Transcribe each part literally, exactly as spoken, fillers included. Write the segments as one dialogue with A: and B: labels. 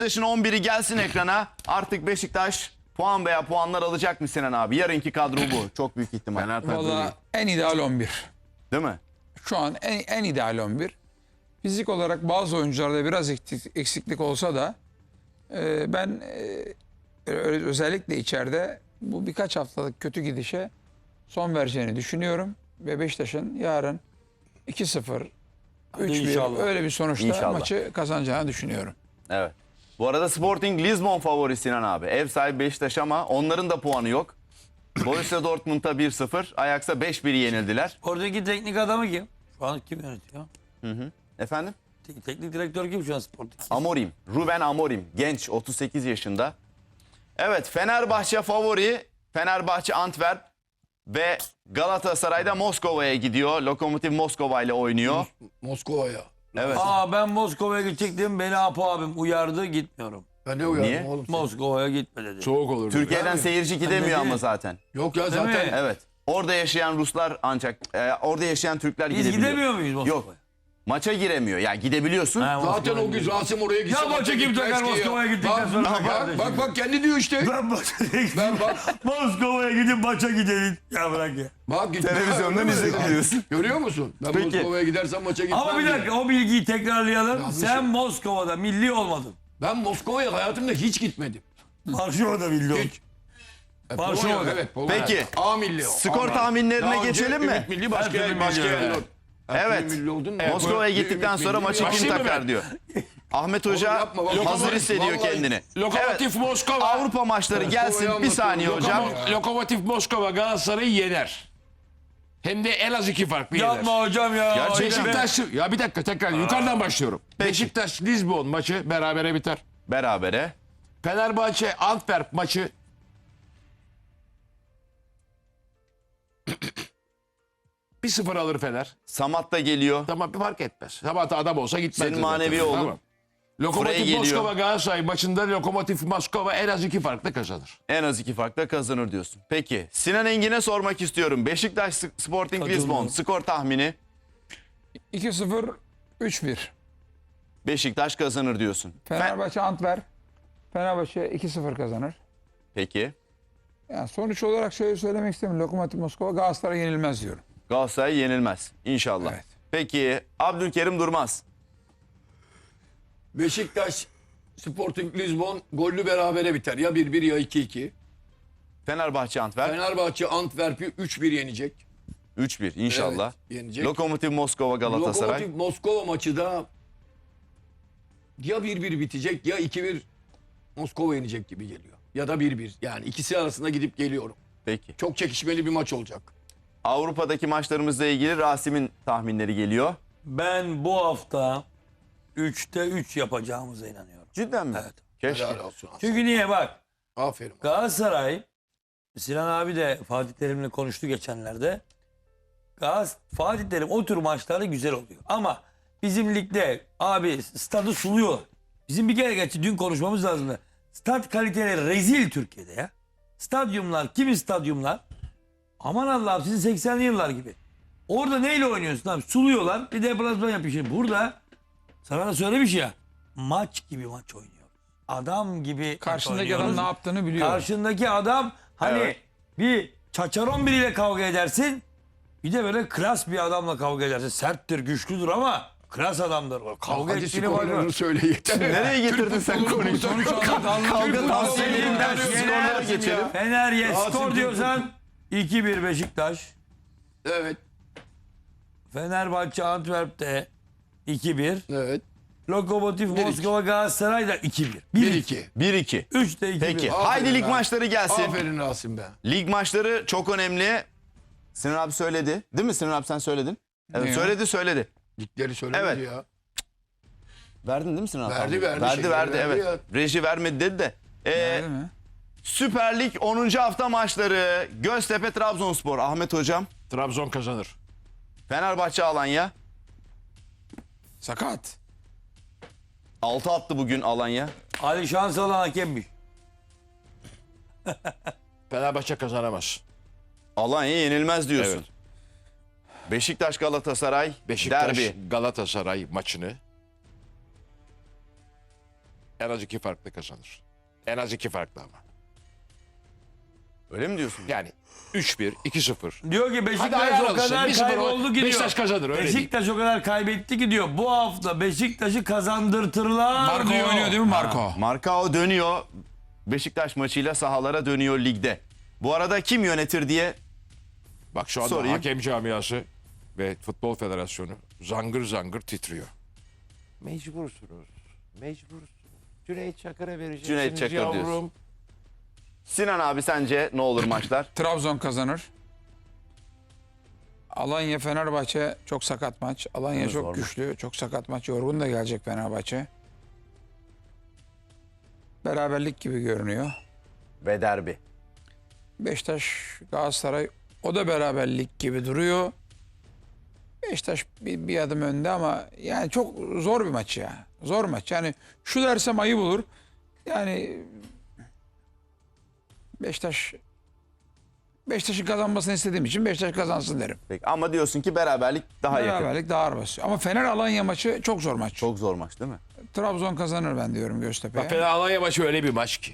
A: Beşiktaş'ın on biri gelsin ekrana. Artık Beşiktaş puan veya puanlar alacak mı Sinan abi? Yarınki kadro bu. Çok büyük ihtimal.
B: Valla en ideal on bir.
A: Değil mi?
B: Şu an en, en ideal on bir. Fizik olarak bazı oyuncularda biraz eksiklik, eksiklik olsa da e, ben e, özellikle içeride bu birkaç haftalık kötü gidişe son vereceğini düşünüyorum. Ve Beşiktaş'ın yarın iki sıfır, üç bir öyle bir sonuçta
A: İnşallah.
B: maçı kazanacağını düşünüyorum.
A: Evet. Bu arada Sporting Lisbon favori Sinan abi. Ev sahibi Beşiktaş ama onların da puanı yok. Borussia Dortmund'a bir sıfır, Ajax'a beş bir yenildiler.
C: Oradaki teknik adamı kim? Şu an kim yönetiyor?
A: Hı hı. Efendim?
C: Te- teknik direktör kim şu an Sporting?
A: Amorim. Ruben Amorim. Genç, otuz sekiz yaşında. Evet, Fenerbahçe favori. Fenerbahçe Antwerp ve Galatasaray'da Moskova'ya gidiyor. Lokomotiv Moskova ile oynuyor.
D: Moskova'ya.
A: Evet.
C: Aa ben Moskova'ya gidecektim. Beni Apo abim uyardı. Gitmiyorum.
D: Ben ne uyardım
A: Niye?
D: oğlum?
C: Moskova'ya gitme dedi.
D: Soğuk olur.
A: Türkiye'den
D: dedi.
A: seyirci gidemiyor
C: Dedi.
A: ama zaten.
D: Yok ya
C: Değil
D: zaten.
C: mi?
A: Evet. Orada yaşayan Ruslar ancak, e, orada yaşayan Türkler
C: Biz
A: gidebiliyor.
C: gidemiyor muyuz Moskova'ya?
A: Yok. Maça giremiyor. Ya gidebiliyorsun.
C: Ha,
D: Zaten
C: Moskova'ya
D: o gün
C: gidiyoruz.
D: Rasim oraya gitse
C: Ya maça kim
D: gitmez
C: takar
D: ki ya.
C: Moskova'ya gittikten
D: Bak,
C: sonra
D: bak,
C: kardeşim
D: bak, bak kendi diyor işte.
C: Ben maça
D: Ben bak.
C: Moskova'ya gidip maça gidelim. Ya bırak ya.
D: Bak git.
A: Televizyondan izliyorsun.
D: Görüyor musun? Ben
A: Peki.
D: Moskova'ya gidersem maça gitmem.
C: Ama bir
D: diye.
C: dakika o bilgiyi tekrarlayalım.
D: Yanlış
C: Sen
D: ya.
C: Moskova'da milli olmadın.
D: Ben Moskova'ya hayatımda hiç gitmedim.
C: Varşova'da milli oldun.
D: Hiç. E,
C: Varşova'da.
D: Polonya, evet. Polonya.
A: Peki.
D: A milli o.
A: Skor
D: A.
A: tahminlerine
D: Daha önce
A: geçelim mi?
D: Ümit Milli başka
C: Her türlü
D: başka
C: milli,
D: yerler.
C: evet.
D: Her
A: Evet.
D: türlü milli oldun mu?
A: Moskova'ya
D: Ümit
A: gittikten
D: Milli
A: sonra
D: mi?
A: maçı kim
D: Başlayayım mı
A: takar
D: ben?
A: diyor. Ahmet Hoca
D: yapma, vallahi.
A: hazır hissediyor
D: Vallahi.
A: kendini.
E: Lokomotiv Moskova.
A: Avrupa maçları gelsin bir saniye hocam.
E: Lokomo- Lokomotiv Moskova Galatasaray'ı yener. Hem de en az iki farklı yener.
C: Yapma hocam ya.
A: Gerçekten.
E: Beşiktaş, ya bir dakika tekrar yukarıdan başlıyorum.
A: Peki.
E: Beşiktaş Lisbon maçı berabere biter.
A: Berabere.
E: Fenerbahçe Antwerp maçı bir sıfır alır Fener.
A: Samat da geliyor.
E: Tamam bir fark etmez. Sabahta adam olsa gitmez.
A: Senin
E: zaten.
A: manevi oğlun.
E: Tamam.
A: Buraya
E: Lokomotiv
A: geliyor.
E: Moskova Galatasaray maçında Lokomotiv Moskova en az iki farklı kazanır.
A: En az iki farkla kazanır diyorsun. Peki Sinan Engin'e sormak istiyorum. Beşiktaş Sporting Lisbon skor tahmini.
B: iki sıfır, üç bir.
A: Beşiktaş kazanır diyorsun. Fe-
B: Fenerbahçe Antwerp. Fenerbahçe iki sıfır kazanır.
A: Peki.
B: Yani sonuç olarak şöyle söylemek istemiyorum. Lokomotiv Moskova Galatasaray yenilmez diyorum.
A: Galatasaray yenilmez inşallah.
B: Evet.
A: Peki Abdülkerim Durmaz.
D: Beşiktaş Sporting Lisbon gollü berabere biter. Ya bir bir ya iki iki.
A: Fenerbahçe Antwerp
D: Fenerbahçe Antwerp'i üç bir yenecek.
A: üç bir inşallah.
D: Evet, yenecek.
A: Lokomotiv Moskova Galatasaray.
D: Lokomotiv Moskova maçı da ya bir bir bitecek ya iki bir Moskova yenecek gibi geliyor. Ya da bir bir. Yani ikisi arasında gidip geliyorum.
A: Peki.
D: Çok çekişmeli bir maç olacak.
A: Avrupa'daki maçlarımızla ilgili Rasim'in tahminleri geliyor.
C: Ben bu hafta üçte üç yapacağımıza inanıyorum.
A: Cidden mi?
C: Evet.
A: Keşke.
D: Helal olsun.
C: Çünkü niye bak.
D: Aferin.
C: Galatasaray, Sinan abi de Fatih Terim'le konuştu geçenlerde. Gaz, Fatih Terim o tür maçlarda güzel oluyor. Ama bizim ligde abi stadı suluyor. Bizim bir kere geçti dün konuşmamız lazımdı. Stat kaliteleri rezil Türkiye'de ya. Stadyumlar, kimi stadyumlar? Aman Allah'ım sizin seksenli yıllar gibi. Orada neyle oynuyorsun abi? Suluyorlar bir deplasman yapıyor. Şimdi burada sana da söylemiş ya. Maç gibi maç oynuyor. Adam gibi maç
B: Karşındaki
C: oynuyoruz.
B: adam ne yaptığını biliyor.
C: Karşındaki adam hani
A: Evet.
C: bir çaçaron biriyle kavga edersin. Bir de böyle klas bir adamla kavga edersin. Serttir, güçlüdür ama klas adamdır. O kavga
D: Hadi
C: ettiğini bakıyor.
D: skorlarını söyle yeter.
A: Nereye getirdin sen konuyu?
B: Sonuç olarak
A: Kavga tavsiye
C: Türk
A: edeyim ben şu
C: futbolu
A: skorlara
C: yener.
A: geçelim.
C: Fener yes
D: Rasim
C: skor
D: Türk
C: diyorsan iki bir Beşiktaş.
D: Evet.
C: Fenerbahçe Antwerp'te iki bir.
D: Evet.
C: Lokomotiv
D: Bir iki.
C: Moskova Galatasaray da iki bir.
D: bir iki.
A: bir iki.
C: üç de iki bir.
A: Peki.
D: Aferin
A: Haydi lig
D: lan.
A: maçları gelsin.
D: Aferin Rasim be.
A: Lig maçları çok önemli. Sinan abi söyledi. Değil mi Sinan abi sen söyledin? Evet
B: Ne o?
A: söyledi söyledi.
D: Ligleri söylemedi
A: Evet.
D: ya.
A: Verdin değil mi Sinan abi?
D: Verdi, verdi,
A: Verdi
D: şeyleri
A: verdi
D: verdi
A: evet. Reji vermedi dedi de. Ee,
B: Değil mi?
A: Süper Lig onuncu hafta maçları. Göztepe Trabzonspor. Ahmet hocam.
E: Trabzon kazanır.
A: Fenerbahçe Alanya.
B: Sakat.
A: altı attı bugün Alanya.
C: Ali Şansalan hakemmiş.
E: Fenerbahçe kazanamaz.
A: Alanya yenilmez diyorsun.
E: Evet.
A: Beşiktaş Galatasaray
E: Beşiktaş
A: derbi.
E: Galatasaray maçını En az iki farklı kazanır. En az iki farklı ama.
A: Öyle mi diyorsun?
E: Yani üç bir, iki sıfır.
C: Diyor ki
E: Hadi
C: Beşiktaş
E: ayar
C: o
E: alışsın.
C: kadar
E: bir sıfır
C: kayboldu ki diyor.
E: Beşiktaş kazanır öyle değil.
C: Beşiktaş o kadar kaybetti ki diyor. Bu hafta Beşiktaş'ı kazandırtırlar
B: Marco
C: diyor.
B: oynuyor değil mi Marco?
A: Markao dönüyor. Beşiktaş maçıyla sahalara dönüyor ligde. Bu arada kim yönetir diye
E: Bak şu anda
A: Sorayım.
E: hakem camiası ve Futbol Federasyonu zangır zangır titriyor. Mecbursunuz. Mecbursunuz. Cüneyt Çakır'a vereceksiniz
A: Cüneyt Çakır
E: yavrum.
A: diyorsun. Sinan abi sence ne olur maçlar?
B: Trabzon kazanır. Alanya Fenerbahçe çok sakat maç. Alanya
A: Evet,
B: çok
A: zor
B: güçlü, çok sakat maç. Yorgun da gelecek Fenerbahçe. Beraberlik gibi görünüyor.
A: Ve derbi.
B: Beşiktaş Galatasaray o da beraberlik gibi duruyor. Beşiktaş bir, bir adım önde ama yani çok zor bir maç ya. Zor maç. Yani şu dersem ayıp olur. Yani Beşiktaş Beşiktaş'ın kazanmasını istediğim için Beşiktaş kazansın derim.
A: Peki. Ama diyorsun ki beraberlik daha yakın.
B: Beraberlik daha ağır basıyor. Ama Fener Alanya maçı çok zor maç.
A: Çok zor maç değil mi?
B: Trabzon kazanır ben diyorum Göztepe'ye.
E: Bak Fener Alanya maçı öyle bir maç ki.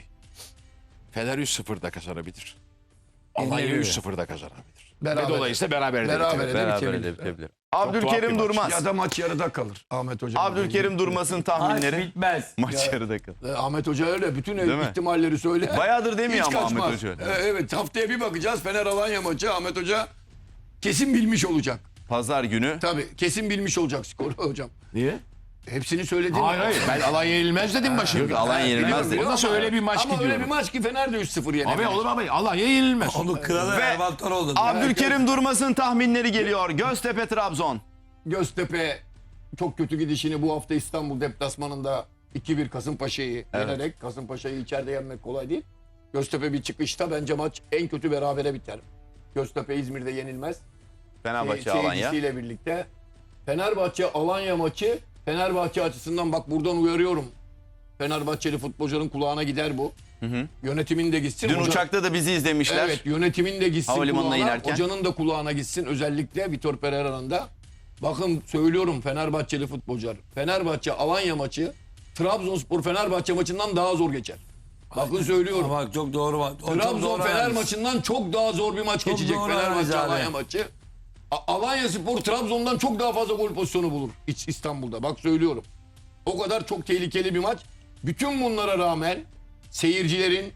E: Fener üç sıfırda kazanabilir. Alanya
B: Yenilebilir.
E: üç sıfırda kazanabilir.
D: Beraber.
E: Ve dolayısıyla beraber de
D: Berabere
E: bitirir.
D: de
A: Beraber
D: bitebilir.
A: de bitebilir.
E: tuhaf bir
A: Abdülkerim
E: maç.
A: Durmaz.
D: Ya da maç yarıda kalır Ahmet Hoca.
A: Abdülkerim Durmaz'ın
C: Maç
A: tahminleri.
C: bitmez.
A: Maç yarıda kalır.
D: E, Ahmet Hoca öyle bütün
A: Değil mi?
D: ihtimalleri söyle.
A: Bayağıdır demiyor
D: Hiç
A: ama Ahmet
D: kaçmaz.
A: Hoca.
D: E, evet haftaya bir bakacağız Fener Alanya maçı Ahmet Hoca kesin bilmiş olacak.
A: Pazar günü.
D: Tabii kesin bilmiş olacak skoru hocam.
E: Niye?
D: Hepsini söyledim.
E: Hayır hayır. Ben Alanya yenilmez dedim başında.
A: Yok, Alanya yenilmez
D: Biliyorum,
A: dedi.
D: biliyorum
E: Nasıl
D: ama-
E: öyle bir maç
D: Ama
E: ki
D: öyle
E: diyorum.
D: bir maç ki Fener de üç sıfır yener.
E: Abi olur abi. Alanya yenilmez.
C: Onu kralı
A: Ve
C: Erman oldu.
A: Abdülkerim Durmaz'ın tahminleri geliyor. Göztepe Trabzon.
D: Göztepe çok kötü gidişini bu hafta İstanbul deplasmanında iki bir Kasımpaşa'yı
A: Evet.
D: yenerek Kasımpaşa'yı içeride yenmek kolay değil. Göztepe bir çıkışta bence maç en kötü berabere biter. Göztepe İzmir'de yenilmez.
A: Fenerbahçe
D: Şey-
A: Alanya.
D: seyircisiyle birlikte. Fenerbahçe Alanya maçı Fenerbahçe açısından bak buradan uyarıyorum. Fenerbahçeli futbolcuların kulağına gider bu. Yönetimin de gitsin.
A: Dün
D: hoca-
A: uçakta da bizi izlemişler.
D: Evet yönetimin de gitsin
A: Havalimanına
D: kulağına.
A: inerken.
D: Hocanın da kulağına gitsin. Özellikle Vitor Pereira'nın da. Bakın söylüyorum Fenerbahçeli futbolcular. Fenerbahçe Alanya maçı Trabzonspor Fenerbahçe maçından daha zor geçer. Bakın söylüyorum.
C: Bak çok doğru. O çok
D: Trabzon
C: doğru
D: Fener
C: analiz.
D: maçından çok daha zor bir maç
C: Çok
D: geçecek
C: doğru analiz
D: Fenerbahçe
C: abi.
D: Alanya maçı. A- Alanya Spor Trabzon'dan çok daha fazla gol pozisyonu bulur İç- İstanbul'da. Bak söylüyorum. O kadar çok tehlikeli bir maç. Bütün bunlara rağmen seyircilerin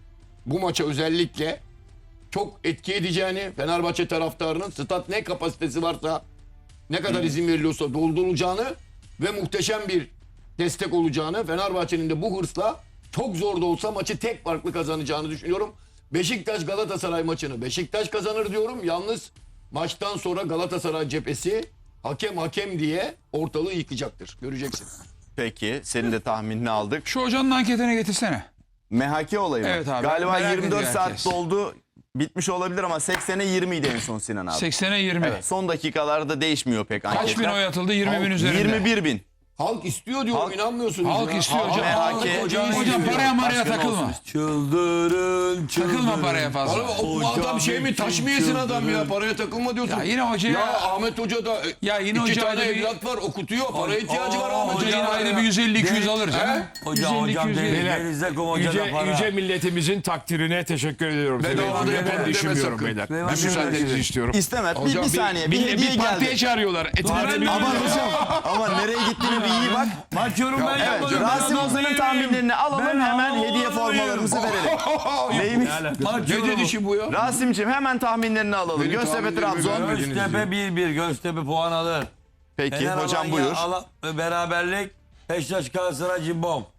D: bu maça özellikle çok etki edeceğini, Fenerbahçe taraftarının stat ne kapasitesi varsa, ne kadar izin veriliyorsa doldurulacağını ve muhteşem bir destek olacağını, Fenerbahçe'nin de bu hırsla çok zor da olsa maçı tek farklı kazanacağını düşünüyorum. Beşiktaş Galatasaray maçını Beşiktaş kazanır diyorum. Yalnız maçtan sonra Galatasaray cephesi hakem hakem diye ortalığı yıkacaktır. Göreceksin.
A: Peki senin de tahminini aldık.
B: Şu hocanın anketini getirsene.
A: M H K olayı mı?
B: Evet abi,
A: Galiba
B: merak
A: yirmi dört
B: ediyor
A: saat
B: herkes.
A: doldu. Bitmiş olabilir ama seksene yirmi idi en son Sinan abi.
B: seksene yirmi.
A: Evet, son dakikalarda değişmiyor pek
B: Kaç
A: anketler.
B: bin oy atıldı? yirmi bin üzerinde.
A: yirmi bir bin.
D: Halk istiyor diyorum
A: Halk-
D: inanmıyorsunuz
B: Halk
D: ya.
B: istiyor hocam.
A: M H K.
D: Hocam,
B: Hocam paraya maraya
A: Başkanı
B: takılma.
A: olsun.
C: Çıldırın, çıldırın.
B: Takılma paraya fazla.
D: Oğlum, o bu adam şey mi taş mı yesin adam ya paraya takılma diyorsun.
B: Ya yine hocaya-
D: Ya Ahmet Hoca da
B: Ya yine
D: iki
B: hocaya
D: tane
B: da bir-
D: evlat var okutuyor paraya ihtiyacı var
C: Aa,
D: Ahmet
B: Hoca
D: Hoca.
B: yine ayda bir yüz elli iki yüz alır canım.
C: Hocam hocam
B: yüz elli,
C: Deniz Deniz'de kum hoca da
E: Yüce,
C: para.
E: yüce milletimizin takdirine teşekkür ediyorum.
D: Bedava
E: Tabii,
D: da yapalım
E: ben
D: deme
E: düşünmüyorum
D: sakın.
E: beyler.
C: Bedava
E: Bir müsaadenizi
C: deme.
E: istiyorum.
A: İstemez. Bir,
D: Hocam
A: bir
D: bir-
A: saniye. Bir,
E: Bir,
A: hediye
E: bir partiye
A: geldi.
E: çağırıyorlar. Etibar'da bir
A: Aman hocam. Ama nereye gittiğine bir iyi bak.
C: Maç yorum ben
A: Evet,
C: yapmadım. Ben
A: Rasim
C: adam
A: Ozan'ın
C: değilim.
A: tahminlerini alalım
C: Ben
A: hemen
C: havalı
A: hediye
C: adamım.
A: formalarımızı verelim. Neymiş?
C: Maç
D: Ne
C: yorumu.
D: dedi işi bu ya?
A: Rasim'cim hemen tahminlerini alalım.
D: Benim
A: Göztepe
D: tahminlerimi
A: Trabzon.
D: vermediniz
C: Göztepe bir bir. Göztepe puan alır.
A: Peki
C: Fener
A: hocam
C: Alanya
A: buyur.
C: ala- beraberlik. Beşiktaş Galatasaray cimbom.